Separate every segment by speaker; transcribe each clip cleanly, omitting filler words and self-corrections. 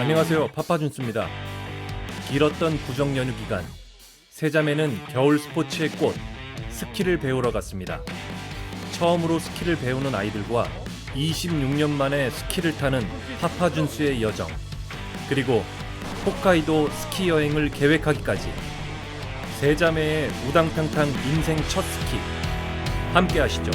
Speaker 1: 안녕하세요, 파파준스입니다. 길었던 구정 연휴 기간, 세자매는 겨울 스포츠의 꽃, 스키를 배우러 갔습니다. 처음으로 스키를 배우는 아이들과 26년 만에 스키를 타는 파파준스의 여정, 그리고 홋카이도 스키 여행을 계획하기까지 세자매의 우당탕탕 인생 첫 스키, 함께 하시죠.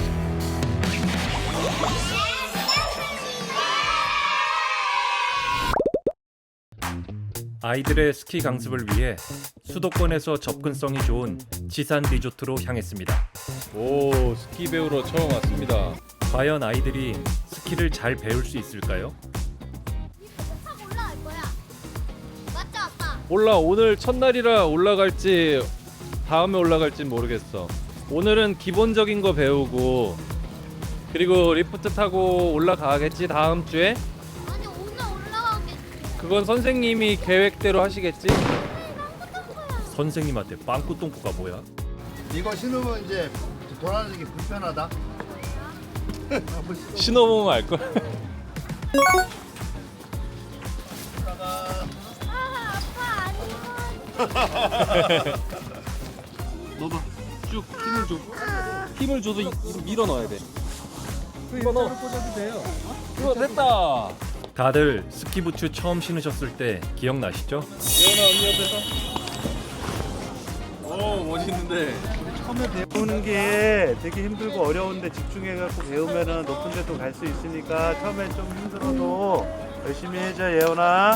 Speaker 1: 아이들의 스키 강습을 위해 수도권에서 접근성이 좋은 지산 리조트로 향했습니다.
Speaker 2: 오, 스키 배우러 처음 왔습니다.
Speaker 1: 과연 아이들이 스키를 잘 배울 수 있을까요?
Speaker 3: 타고 올라갈 거야. 맞죠, 아빠?
Speaker 2: 몰라, 오늘 첫날이라 올라갈지 다음에 올라갈지 모르겠어. 오늘은 기본적인 거 배우고 그리고 리프트 타고 올라가겠지 다음 주에?
Speaker 3: 아니, 오늘 올라가겠지.
Speaker 2: 그건 선생님이 계획대로 하시겠지?
Speaker 1: 선생님한테 빵꾸똥꾸가 뭐야?
Speaker 4: 이거 신으면 이제 돌아다니기 불편하다.
Speaker 2: 신어보면 알걸?
Speaker 3: 아빠 아니면
Speaker 2: 넣어봐. 쭉 힘을 줘. 힘을 줘도 밀어 넣어야 돼. 이거 넣어. 꽂아도 돼요. 이거 됐다.
Speaker 1: 다들 스키부츠 처음 신으셨을 때 기억나시죠?
Speaker 2: 예원아 언니 옆에서. 오, 멋있는데.
Speaker 5: 처음에 배우는 게 되게 힘들고 어려운데 집중해갖고 배우면은 높은 데도 갈 수 있으니까 처음엔 좀 힘들어도 열심히 해줘, 예원아.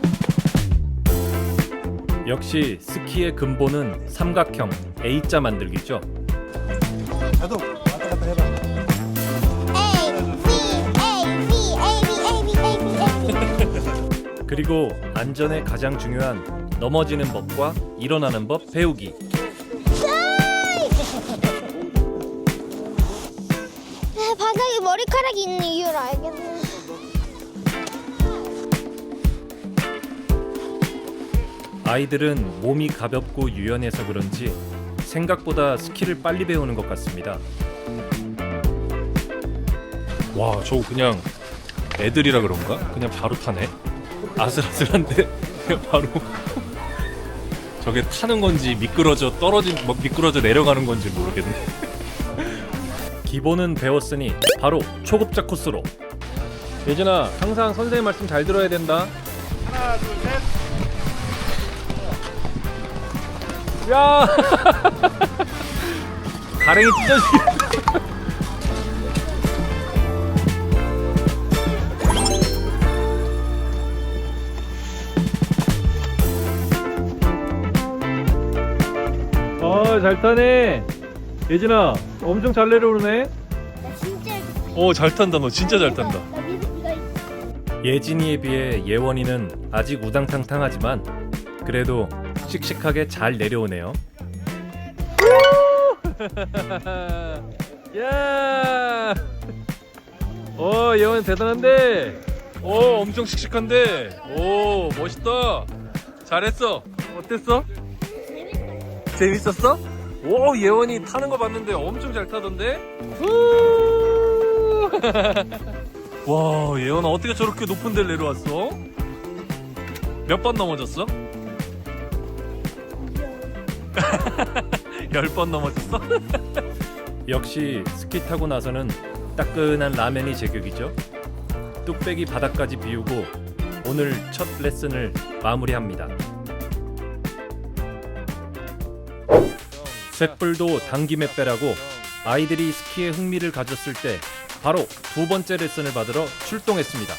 Speaker 1: 역시 스키의 근본은 삼각형 A자 만들기죠.
Speaker 5: 나도 왔다 갔다 해봐.
Speaker 1: 그리고 안전에 가장 중요한 넘어지는 법과 일어나는 법 배우기.
Speaker 3: 바닥에 머리카락이 있는 이유를 알겠네.
Speaker 1: 아이들은 몸이 가볍고 유연해서 그런지 생각보다 스키를 빨리 배우는 것 같습니다.
Speaker 2: 와, 저거 그냥 애들이라 그런가? 그냥 바로 타네. 아슬아슬한데 그냥 바로. 저게 타는 건지 미끄러져 미끄러져 내려가는 건지 모르겠네.
Speaker 1: 기본은 배웠으니 바로 초급자 코스로.
Speaker 2: 예진아, 항상 선생님 말씀 잘 들어야 된다.
Speaker 5: 하나, 둘, 셋.
Speaker 2: 야! 가랭이 찢어지겠다. 잘 타네. 예진아, 엄청 잘 내려오네.
Speaker 3: 나 진짜
Speaker 2: 잘 탄다. 너 진짜 잘 탄다.
Speaker 3: 나 믿을 이거 있어.
Speaker 1: 예진이에 비해 예원이는 아직 우당탕탕하지만 그래도 씩씩하게 잘 내려오네요.
Speaker 2: 야! 예원 대단한데. 엄청 씩씩한데. 멋있다. 잘했어. 어땠어? 재밌었어? 예원이 타는 거 봤는데 엄청 잘 타던데? 와, 예원아 어떻게 저렇게 높은 데를 내려왔어? 몇 번 넘어졌어? 10번 넘어졌어?
Speaker 1: 역시 스키 타고 나서는 따끈한 라면이 제격이죠. 뚝배기 바닥까지 비우고 오늘 첫 레슨을 마무리합니다. 쇳불도 당김에 빼라고 아이들이 스키에 흥미를 가졌을 때 바로 두 번째 레슨을 받으러 출동했습니다.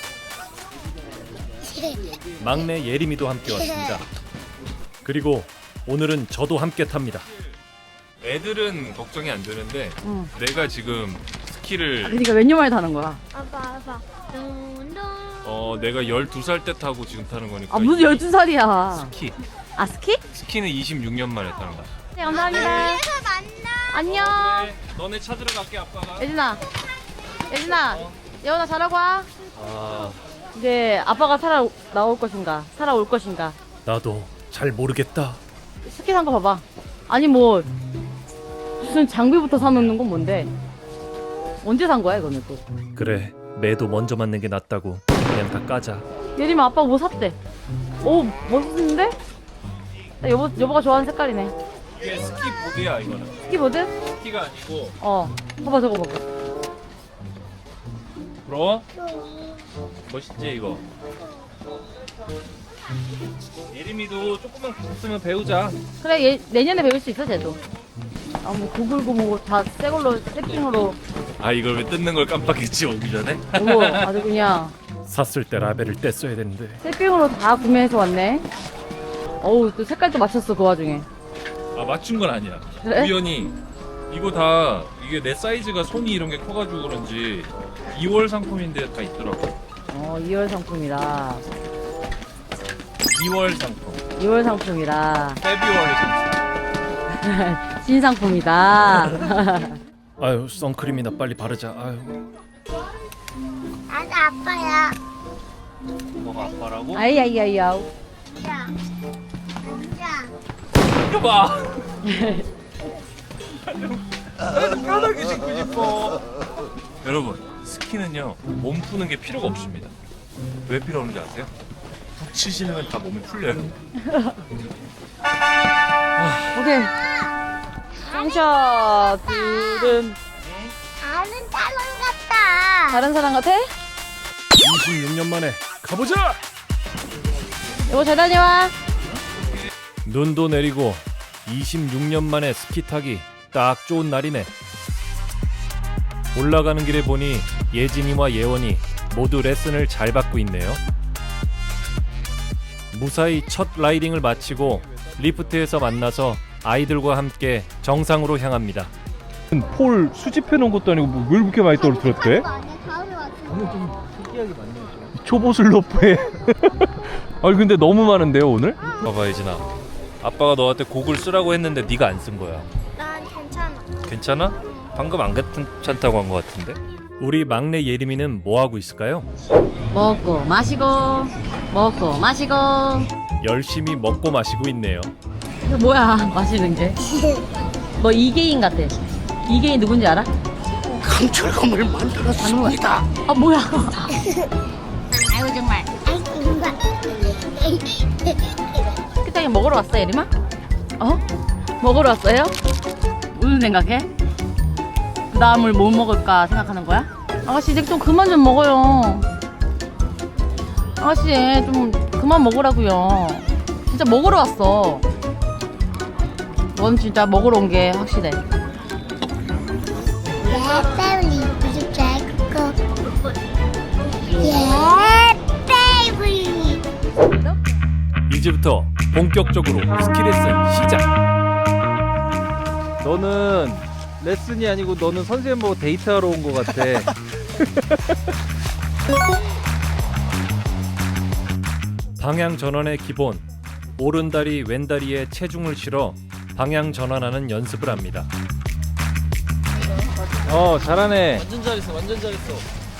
Speaker 1: 막내 예림이도 함께 왔습니다. 그리고 오늘은 저도 함께 탑니다.
Speaker 2: 애들은 걱정이 안 되는데 내가 지금 스키를
Speaker 6: 그러니까 몇 년 만에 타는 거야?
Speaker 3: 아빠. 둥둥.
Speaker 2: 내가 12살 때 타고 지금 타는 거니까.
Speaker 6: 아 무슨 12살이야.
Speaker 2: 스키.
Speaker 6: 아 스키?
Speaker 2: 스키는 26년 만에 타는 거야.
Speaker 6: 네 감사합니다.
Speaker 3: 그래서 만나.
Speaker 6: 안녕.
Speaker 2: 그래, 너네 찾으러 갈게 아빠가.
Speaker 6: 예진아, 예원아 잘하고 와.
Speaker 2: 아,
Speaker 6: 이제 아빠가 나올 것인가, 살아올 것인가.
Speaker 1: 나도 잘 모르겠다.
Speaker 6: 스키 산 거 봐봐. 아니 뭐 무슨 장비부터 사놓는 건 뭔데? 언제 산 거야 이거는 또?
Speaker 1: 그래, 매도 먼저 맞는 게 낫다고. 그냥 다 까자.
Speaker 6: 예림아 아빠 뭐 샀대? 오 멋있는데? 나 여보가 좋아하는 색깔이네.
Speaker 2: 이게 스키보드야 이거는.
Speaker 6: 스키보드?
Speaker 2: 스키가 아니고.
Speaker 6: 봐봐 저거 봐봐.
Speaker 2: 부러워? 멋있지 이거. 예림이도 조금만 있으면 배우자.
Speaker 6: 그래 내년에 배울 수 있어 쟤도. 뭐 구글고 뭐다 새걸로 세팅으로.
Speaker 2: 아 이걸 왜 뜯는 걸 깜빡했지 오기 전에?
Speaker 6: 어머 아주 그냥
Speaker 1: 샀을 때 라벨을 뗐어야 되는데.
Speaker 6: 세팅으로 다 구매해서 왔네. 어우 또 색깔도 맞췄어 그 와중에.
Speaker 2: 아 맞춘 건 아니야.
Speaker 6: 그래?
Speaker 2: 우연히 이거 다 이게 내 사이즈가 손이 이런 게 커가지고 그런지 2월 상품인데 다 있더라고.
Speaker 6: 2월 상품이라.
Speaker 2: 2월 상품.
Speaker 6: 2월 상품이라.
Speaker 2: 페비월리 상품.
Speaker 6: 신상품이다.
Speaker 1: 아유 선크림이나 빨리 바르자. 아유.
Speaker 3: 나도 아빠야.
Speaker 2: 뭐가 아빠라고?
Speaker 6: 아이야이야이야우.
Speaker 3: 자, 앉아.
Speaker 2: 이거 봐. 나도 편하게 신고 싶어. 여러분 스키는요 몸 푸는 게 필요가 없습니다. 왜 필요 없는지 아세요? 붙이시면 다 몸이 풀려요.
Speaker 6: 오케이. 짱샷 둘은
Speaker 3: 나는 딸랑 같다.
Speaker 6: 다른 사람 같아?
Speaker 1: 26년 만에 가보자.
Speaker 6: 여보 잘 다녀와.
Speaker 1: 눈도 내리고 26년 만에 스키 타기 딱 좋은 날이네. 올라가는 길에 보니 예진이와 예원이 모두 레슨을 잘 받고 있네요. 무사히 첫 라이딩을 마치고 리프트에서 만나서 아이들과 함께 정상으로 향합니다.
Speaker 2: 폴 수집해 놓은 것도 아니고 뭐 왜 이렇게 많이 떨어뜨렸대?
Speaker 3: 가을에 왔어.
Speaker 2: 초보 슬로프에. 아니 근데 너무 많은데요 오늘? 봐봐 예진아. 아빠가 너한테 곡을 쓰라고 했는데 네가 안 쓴 거야.
Speaker 3: 난 괜찮아.
Speaker 2: 괜찮아? 방금 안 괜찮다고 한 것 같은데?
Speaker 1: 우리 막내 예림이는 뭐 하고 있을까요?
Speaker 6: 먹고 마시고 먹고 마시고.
Speaker 1: 열심히 먹고 마시고 있네요.
Speaker 6: 이거 뭐야 마시는 게? 너 이계인 같아. 이계인 누군지 알아?
Speaker 4: 강철검을 만들었습니다.
Speaker 6: 아 뭐야?
Speaker 3: 아유 정말. 아이고 정말.
Speaker 6: 스키장에 먹으러 왔어 예림아? 먹으러 왔어요? 무슨 생각해? 그 다음을 뭐 먹을까 생각하는 거야? 아가씨 이제 좀 그만 좀 먹어요. 아가씨 좀 그만 먹으라고요. 진짜 먹으러 왔어. 넌 진짜 먹으러 온 게 확실해.
Speaker 3: 예, 베이블리 무슨 잘 거. 예, 베이블리.
Speaker 1: 이제부터 본격적으로 스키 레슨 시작.
Speaker 7: 너는 레슨이 아니고 너는 선생님하고 데이트하러 온 것 같아.
Speaker 1: 방향 전환의 기본, 오른다리 왼다리에 체중을 실어 방향 전환하는 연습을 합니다.
Speaker 7: 잘하네.
Speaker 8: 완전 잘했어, 완전 잘했어.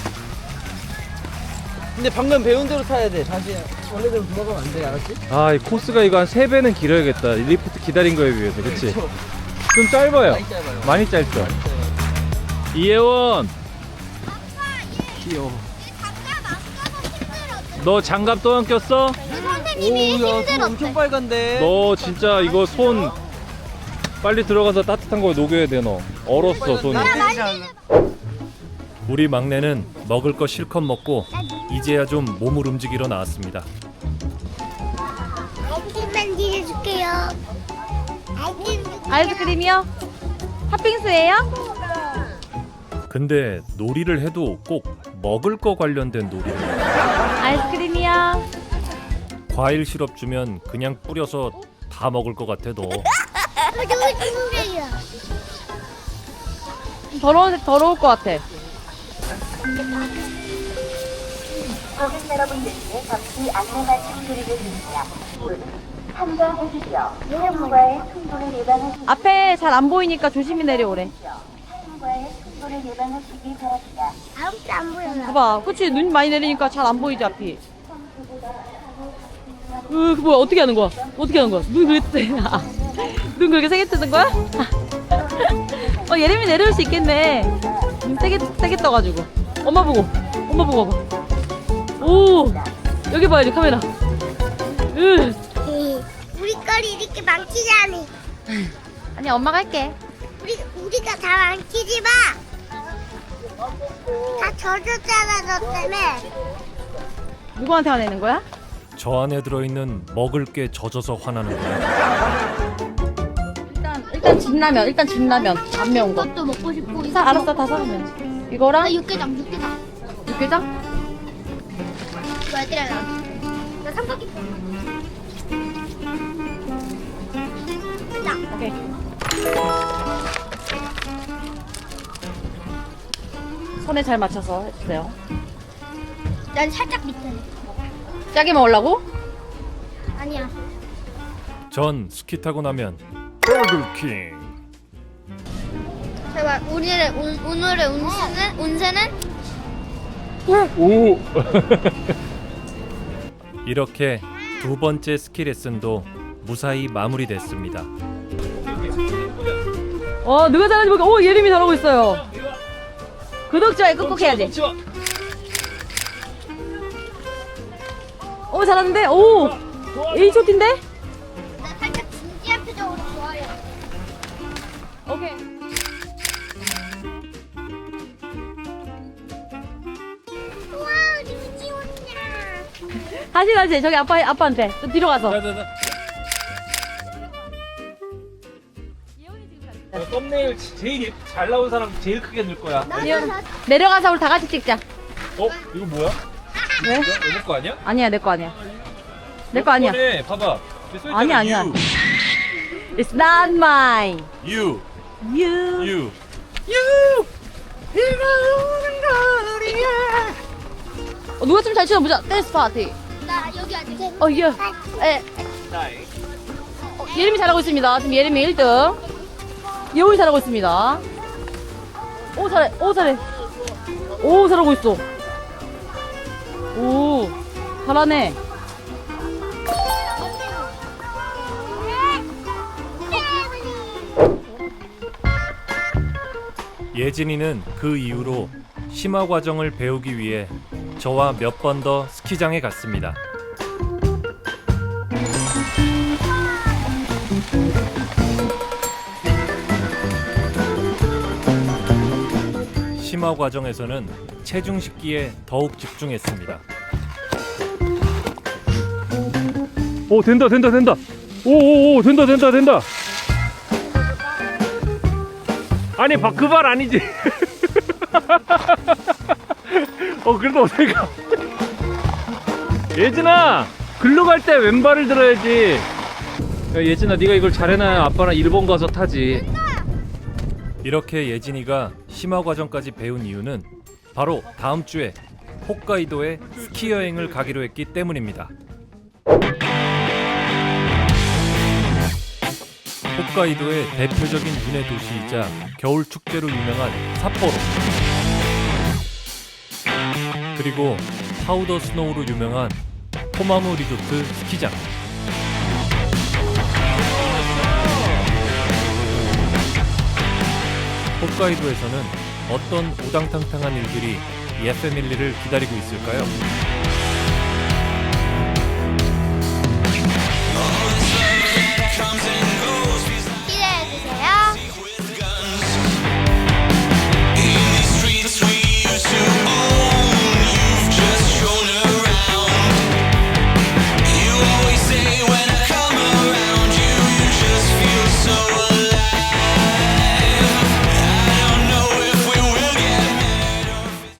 Speaker 8: 근데 방금 배운 대로 타야 돼. 다시 원래대로 돌아가면 안 돼, 알았지?
Speaker 7: 이 코스가 이거 한 3배는 길어야겠다. 리프트 기다린 거에 비해서, 그치? 좀 짧아요.
Speaker 8: 많이 짧아요.
Speaker 7: 많이 짧죠? 이혜원! 귀여워. 너 장갑 또 안 꼈어?
Speaker 3: 선생님이
Speaker 8: 오야, 손
Speaker 3: 힘들었대.
Speaker 8: 엄청 빨간데.
Speaker 7: 너 진짜 이거 손 빨리 들어가서 따뜻한 거 녹여야 돼, 너. 얼었어, 손이.
Speaker 1: 우리 막내는 먹을 거 실컷 먹고 이제야 좀 몸을 움직이러 나왔습니다.
Speaker 3: 아이스크림 드려줄게요.
Speaker 6: 아이스크림이요? 팥빙수예요?
Speaker 1: 근데 놀이를 해도 꼭 먹을 거 관련된 놀이를.
Speaker 6: 아이스크림이요?
Speaker 1: 과일 시럽 주면 그냥 뿌려서 다 먹을 것 같아 너.
Speaker 3: 너무 좋은데요.
Speaker 6: 더러울 것 같아.
Speaker 9: 고객 여러분들께 잠시 안내 말씀드리겠습니다. 참가해주시오. 통과의 충분을 예방하시기
Speaker 6: 앞에 잘 안 보이니까 조심히 내려오래.
Speaker 9: 통과의 충분을 예방하시기 바랍니다.
Speaker 3: 아무도 안 보여.
Speaker 6: 봐봐, 그치? 눈 많이 내리니까 잘 안 보이지 앞이. 그 뭐야? 어떻게 하는 거야? 어떻게 하는 거야? 눈 그렇게 뜨. 눈 그렇게 세게 뜨는 거야? 예림이 내려올 수 있겠네. 눈 세게 떠가지고. 엄마 보고 와봐. 오, 오 여기 봐야지 카메라.
Speaker 3: 우리 거리 이렇게 망치지 않니?
Speaker 6: 아니 엄마가 할게.
Speaker 3: 우리가 다 망치지 마. 다 젖었잖아 너 때문에.
Speaker 6: 누구한테 화내는 거야?
Speaker 1: 저 안에 들어있는 먹을 게 젖어서 화나는 거예요.
Speaker 6: 일단 진라면 안 매운 거.
Speaker 3: 이것도 먹고 싶고.
Speaker 6: 알았어 다 사면. 이거랑
Speaker 3: 육개장.
Speaker 6: 육개장?
Speaker 3: 이거 애들아 나 삼각김.
Speaker 6: 오케이. 손에 잘 맞춰서 해주세요.
Speaker 3: 난 살짝 밑에.
Speaker 6: 짜게 먹으려고?
Speaker 3: 아니야.
Speaker 1: 전 스키 타고 나면 버거킹.
Speaker 3: 제발 오늘의 운세는
Speaker 7: 오.
Speaker 1: 이렇게 두 번째 스키 레슨도 무사히 마무리됐습니다.
Speaker 6: 누가 잘하는지 모르겠어. 오 예림이 잘하고 있어요. 구독 좋아요 꾹꾹 해야지. 오 잘하는데? 오 H쇼트인데?
Speaker 3: 나 살짝 진지한 표정으로 좋아요.
Speaker 6: 오케이.
Speaker 3: 우와 우리 우지 혼자.
Speaker 6: 다시 저기 아빠한테 좀 뒤로 가서.
Speaker 7: 썸네일 제일 잘 나온 사람 제일 크게 넣을 거야.
Speaker 6: 내려가서 우리 다 같이 찍자.
Speaker 7: 이거 뭐야?
Speaker 6: 왜?
Speaker 7: 이거 거 아니야?
Speaker 6: 아니야 내 거 아니야. 내 거 아니야.
Speaker 7: 네, 봐봐.
Speaker 6: 아니야. It's not mine.
Speaker 2: You.
Speaker 6: You. 누가 좀 잘 추나 보자. 댄스 파티.
Speaker 3: 나 여기 아직.
Speaker 6: 예. 예림이 잘하고 있습니다. 지금 예림이 1등. 예원이 잘하고 있습니다. 오 잘해. 오 잘하고 있어. 오 잘하네.
Speaker 1: 예진이는 그 이후로 심화 과정을 배우기 위해 저와 몇 번 더 스키장에 갔습니다. 심화 과정에서는 체중 식기에 더욱 집중했습니다.
Speaker 7: 오 된다. 오 된다. 아니 그 발 아니지. 그래도 어색하. 예진아 글로 갈 때 왼발을 들어야지. 야, 예진아 네가 이걸 잘해놔야 아빠랑 일본 가서 타지.
Speaker 1: 이렇게 예진이가 심화 과정까지 배운 이유는 바로 다음 주에 홋카이도에 스키 여행을 가기로 했기 때문입니다. 홋카이도의 대표적인 윤회 도시이자 겨울 축제로 유명한 삿포로, 그리고 파우더 스노우로 유명한 토마무 리조트 스키장. 홋카이도에서는 어떤 우당탕탕한 일들이 예패밀리를 기다리고 있을까요?